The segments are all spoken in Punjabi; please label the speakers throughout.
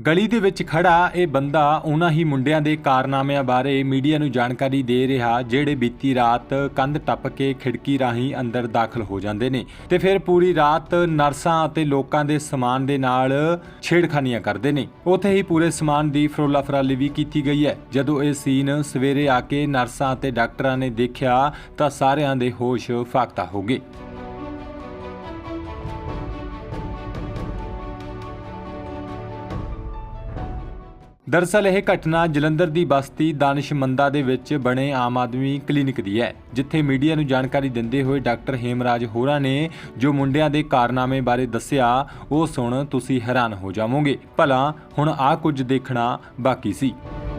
Speaker 1: ਗਲੀ ਦੇ ਵਿੱਚ ਖੜਾ ਇਹ ਬੰਦਾ ਉਹਨਾਂ ਹੀ ਮੁੰਡਿਆਂ ਦੇ ਕਾਰਨਾਮਿਆਂ ਬਾਰੇ ਮੀਡੀਆ ਨੂੰ ਜਾਣਕਾਰੀ ਦੇ ਰਿਹਾ ਜਿਹੜੇ ਬੀਤੀ ਰਾਤ ਕੰਧ ਟੱਪ ਕੇ ਖਿੜਕੀ ਰਾਹੀਂ ਅੰਦਰ ਦਾਖਲ ਹੋ ਜਾਂਦੇ ਨੇ ਤੇ ਫਿਰ ਪੂਰੀ ਰਾਤ ਨਰਸਾਂ ਅਤੇ ਲੋਕਾਂ ਦੇ ਸਮਾਨ ਦੇ ਨਾਲ ਛੇੜਖਾਨੀਆਂ ਕਰਦੇ ਨੇ। ਉੱਥੇ ਹੀ ਪੂਰੇ ਸਮਾਨ ਦੀ ਫਰੋਲਾ ਫਰਾਲੀ ਵੀ ਕੀਤੀ ਗਈ ਹੈ। ਜਦੋਂ ਇਹ ਸੀਨ ਸਵੇਰੇ ਆ ਕੇ ਨਰਸਾਂ ਅਤੇ ਡਾਕਟਰਾਂ ਨੇ ਦੇਖਿਆ ਤਾਂ ਸਾਰਿਆਂ ਦੇ ਹੋਸ਼ ਫਾਕਤਾ ਹੋ ਗਏ। दरअसल यह घटना जलंधर की बस्ती दानिशमंदा दे विच बने आम आदमी क्लीनिक दी है, जिथे मीडिया नूं जानकारी दिंदे हुए डॉक्टर हेमराज होरां ने जो मुंडियां दे कारनामे बारे दस्सिया वो सुण तुसीं हैरान हो जावोगे। भला हुण आ कुछ देखना बाकी सी।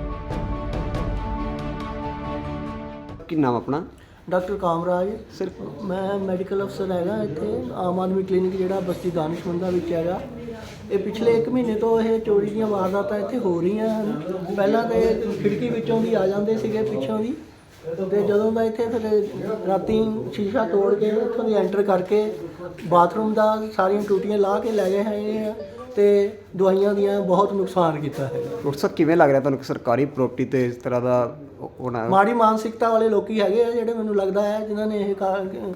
Speaker 2: की नाम अपना?
Speaker 3: डॉक्टर कामराज सिर्फ मैं मैडिकल अफसर हैगा इत्थे आम आदमी क्लीनिक जिहड़ा बस्ती दानिशमंदा विच हैगा। ਇਹ ਪਿਛਲੇ 1 ਮਹੀਨੇ ਤੋਂ ਇਹ ਚੋਰੀ ਦੀਆਂ ਵਾਰਦਾਤਾਂ ਇੱਥੇ ਹੋ ਰਹੀਆਂ ਹਨ। ਪਹਿਲਾਂ ਤੇ ਖਿੜਕੀ ਵਿੱਚੋਂ ਦੀ ਆ ਜਾਂਦੇ ਸੀਗੇ ਪਿੱਛੋਂ ਦੀ, ਤੇ ਜਦੋਂ ਦਾ ਇੱਥੇ ਫਿਰ ਰਾਤੀ ਸ਼ੀਸ਼ਾ ਤੋੜ ਕੇ ਇੱਥੋਂ ਦੀ ਐਂਟਰ ਕਰਕੇ ਬਾਥਰੂਮ ਦਾ ਸਾਰੀਆਂ ਟੂਟੀਆਂ ਲਾ ਕੇ ਲੈ ਗਏ ਹੈਗੇ ਆ ਤੇ ਦਵਾਈਆਂ ਦੀਆਂ ਬਹੁਤ ਨੁਕਸਾਨ ਕੀਤਾ ਹੈ।
Speaker 2: ਡਾਕਟਰ ਸਾਹਿਬ ਕਿਵੇਂ ਲੱਗ ਰਿਹਾ ਤੁਹਾਨੂੰ ਕਿ ਸਰਕਾਰੀ ਪ੍ਰਾਪਰਟੀ ਤੇ ਇਸ ਤਰ੍ਹਾਂ ਦਾ ਹੋਣਾ?
Speaker 3: ਮਾੜੀ ਮਾਨਸਿਕਤਾ ਵਾਲੇ ਲੋਕੀ ਹੈਗੇ ਆ ਜਿਹੜੇ ਮੈਨੂੰ ਲੱਗਦਾ ਹੈ ਜਿਨ੍ਹਾਂ ਨੇ ਇਹ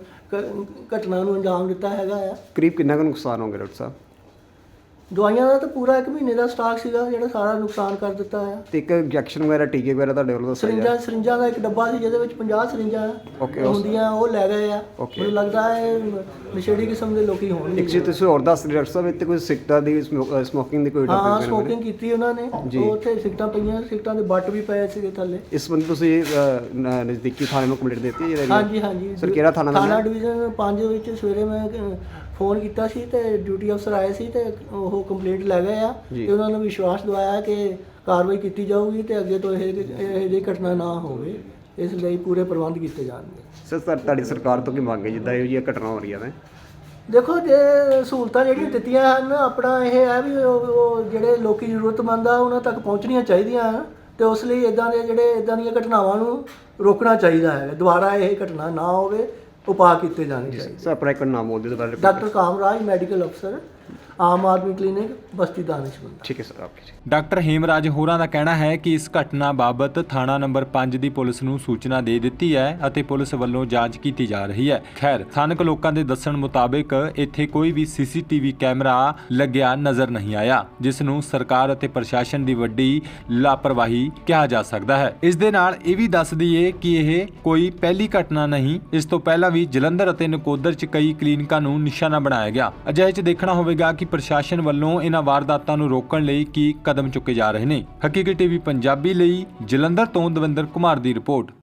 Speaker 3: ਘਟਨਾ ਨੂੰ ਅੰਜਾਮ ਦਿੱਤਾ ਹੈਗਾ ਆ।
Speaker 2: ਕਰੀਬ ਕਿੰਨਾ ਕੁ ਨੁਕਸਾਨ ਹੋਊਗਾ ਡਾਕਟਰ ਸਾਹਿਬ?
Speaker 3: ਦਵਾਈਆਂ ਦਾ ਤਾਂ ਪੂਰਾ 1 ਮਹੀਨੇ ਦਾ ਸਟਾਕ ਸੀਗਾ ਜਿਹੜਾ ਸਾਰਾ ਨੁਕਸਾਨ ਕਰ ਦਿੱਤਾ ਹੈ।
Speaker 2: ਤੇ ਇੱਕ ਇੰਜੈਕਸ਼ਨ ਵਗੈਰਾ ਟੀਕੇ ਵਗੈਰਾ ਤੁਹਾਡੇ ਵੱਲੋਂ ਦੱਸਿਆ ਗਿਆ?
Speaker 3: ਸਰਿੰਜਾਂ ਦਾ ਇੱਕ ਡੱਬਾ ਸੀ ਜਿਹਦੇ ਵਿੱਚ 50 ਸਰਿੰਜਾਂ ਹੁੰਦੀਆਂ, ਉਹ ਲੈ ਗਏ ਆ। ਮੈਨੂੰ ਲੱਗਦਾ ਹੈ ਨਸ਼ੇੜੀ ਕਿਸਮ ਦੇ ਲੋਕੀ ਹੋਣਗੇ।
Speaker 2: ਇੱਕ ਚੀਜ਼ ਤੁਸੀਂ ਹੋਰ ਦੱਸ ਰਹੇ ਡਾਕਟਰ ਸਾਹਿਬ, ਇੱਥੇ ਕੋਈ ਸਿਗਰਟਾਂ ਦੀ ਸਮੋਕਿੰਗ ਦੀ ਕੋਈ
Speaker 3: ਹਾਂ ਸਮੋਕਿੰਗ ਕੀਤੀ ਉਹਨਾਂ ਨੇ, ਉੱਥੇ ਸਿਗਰਟਾਂ ਪਈਆਂ, ਸਿਗਰਟਾਂ ਦੇ ਬੱਟ ਵੀ ਪਏ ਸੀਗੇ ਥੱਲੇ।
Speaker 2: ਇਸ ਬੰਦੇ ਤੁਸੀਂ ਨਜ਼ਦੀਕੀ ਥਾਣੇ ਨੂੰ ਕੰਪਲੇਂਟ ਦਿੱਤੀ ਹੈ?
Speaker 3: ਹਾਂਜੀ ਹਾਂਜੀ
Speaker 2: ਸਰ ਕਿਹੜਾ ਥਾਣਾ
Speaker 3: ਡਿਵੀਜ਼ਨ 5 ਵਿੱਚ ਸਵੇਰੇ ਮੈਂ ਫੋਨ ਕੀਤਾ ਸੀ ਤੇ ਡਿਊਟੀ ਅਫਸਰ ਆਏ ਸੀ ਤੇ ਉਹ ਕੰਪਲੇਂਟ ਲੈ ਗਏ ਆ ਤੇ ਉਹਨਾਂ ਨੂੰ ਵਿਸ਼ਵਾਸ ਦਿਵਾਇਆ ਕਿ ਕਾਰਵਾਈ ਕੀਤੀ ਜਾਊਗੀ ਤੇ ਅੱਗੇ ਤੋਂ ਇਹ ਜਿਹੀ ਘਟਨਾ ਨਾ ਹੋਵੇ, ਇਸ ਲਈ ਪੂਰੇ ਪ੍ਰਬੰਧ ਕੀਤੇ ਜਾਣਗੇ।
Speaker 2: ਸਰ ਤੁਹਾਡੀ ਸਰਕਾਰ ਤੋਂ ਕੀ ਮੰਗ ਹੈ ਜਿੱਦਾਂ ਇਹੋ ਜਿਹੀਆਂ ਘਟਨਾ ਹੋ ਰਹੀਆਂ ਨੇ?
Speaker 3: ਦੇਖੋ ਜੇ ਸਹੂਲਤਾਂ ਜਿਹੜੀਆਂ ਦਿੱਤੀਆਂ ਹਨ, ਆਪਣਾ ਇਹ ਹੈ ਵੀ ਉਹ ਜਿਹੜੇ ਲੋਕੀ ਜ਼ਰੂਰਤਮੰਦ ਆ ਉਹਨਾਂ ਤੱਕ ਪਹੁੰਚਣੀਆਂ ਚਾਹੀਦੀਆਂ ਹਨ ਤੇ ਉਸ ਲਈ ਇਦਾਂ ਦੀਆਂ ਘਟਨਾਵਾਂ ਨੂੰ ਰੋਕਣਾ ਚਾਹੀਦਾ ਹੈ। ਦੁਬਾਰਾ ਇਹ ਘਟਨਾ ਨਾ ਹੋਵੇ, ਉਪਾਅ ਕੀਤੇ ਜਾਣੇ ਚਾਹੀਦੇ।
Speaker 2: ਸਰ ਆਪਣਾ ਇੱਕ ਨਾਮ ਬੋਲ ਦਿਓ ਦੁਬਾਰਾ।
Speaker 3: डॉक्टर कामराज मेडिकल अफसर आम आदमी क्लिनिक बस्ती दानिशमंदा।
Speaker 2: ठीक है सर आपकी।
Speaker 1: ਡਾਕਟਰ ਹੇਮਰਾਜ ਹੋਰਾਂ ਦਾ ਕਹਿਣਾ ਹੈ ਕਿ ਇਸ ਘਟਨਾ ਬਾਬਤ ਥਾਣਾ ਨੰਬਰ 5 ਦੀ ਪੁਲਿਸ ਨੂੰ ਸੂਚਨਾ ਦੇ ਦਿੱਤੀ ਹੈ ਅਤੇ ਪੁਲਿਸ ਵੱਲੋਂ ਜਾਂਚ ਕੀਤੀ ਜਾ ਰਹੀ ਹੈ। ਖੈਰ ਸਥਾਨਕ ਲੋਕਾਂ ਦੇ ਦੱਸਣ ਮੁਤਾਬਕ ਇੱਥੇ ਕੋਈ ਵੀ ਸੀਸੀਟੀਵੀ ਕੈਮਰਾ ਲੱਗਿਆ ਨਜ਼ਰ ਨਹੀਂ ਆਇਆ, ਜਿਸ ਨੂੰ ਸਰਕਾਰ ਅਤੇ ਪ੍ਰਸ਼ਾਸਨ ਦੀ ਵੱਡੀ ਲਾਪਰਵਾਹੀ ਕਿਹਾ ਜਾ ਸਕਦਾ ਹੈ। ਇਸ ਦੇ ਨਾਲ ਇਹ ਵੀ ਦੱਸ ਦਈਏ ਕਿ ਇਹ ਕੋਈ ਪਹਿਲੀ ਘਟਨਾ ਨਹੀਂ, ਇਸ ਤੋਂ ਪਹਿਲਾਂ ਵੀ ਜਲੰਧਰ ਅਤੇ ਨਕੋਦਰ 'ਚ ਕਈ ਕਲੀਨਿਕਾਂ ਨੂੰ ਨਿਸ਼ਾਨਾ ਬਣਾਇਆ ਗਿਆ। ਅਜਿਹੇ 'ਚ ਦੇਖਣਾ ਹੋਵੇਗਾ ਕਿ ਪ੍ਰਸ਼ਾਸਨ ਵੱਲੋਂ ਇਹਨਾਂ ਵਾਰਦਾਤਾਂ ਨੂੰ ਰੋਕਣ ਲਈ ਕੀ ਕਦਮ ਚੁੱਕੇ ਜਾ ਰਹੇ ਨੇ। ਹਕੀਕਤ ਟੀਵੀ ਪੰਜਾਬੀ ਲਈ ਜਲੰਧਰ ਤੋਂ ਦਵਿੰਦਰ ਕੁਮਾਰ ਦੀ ਰਿਪੋਰਟ।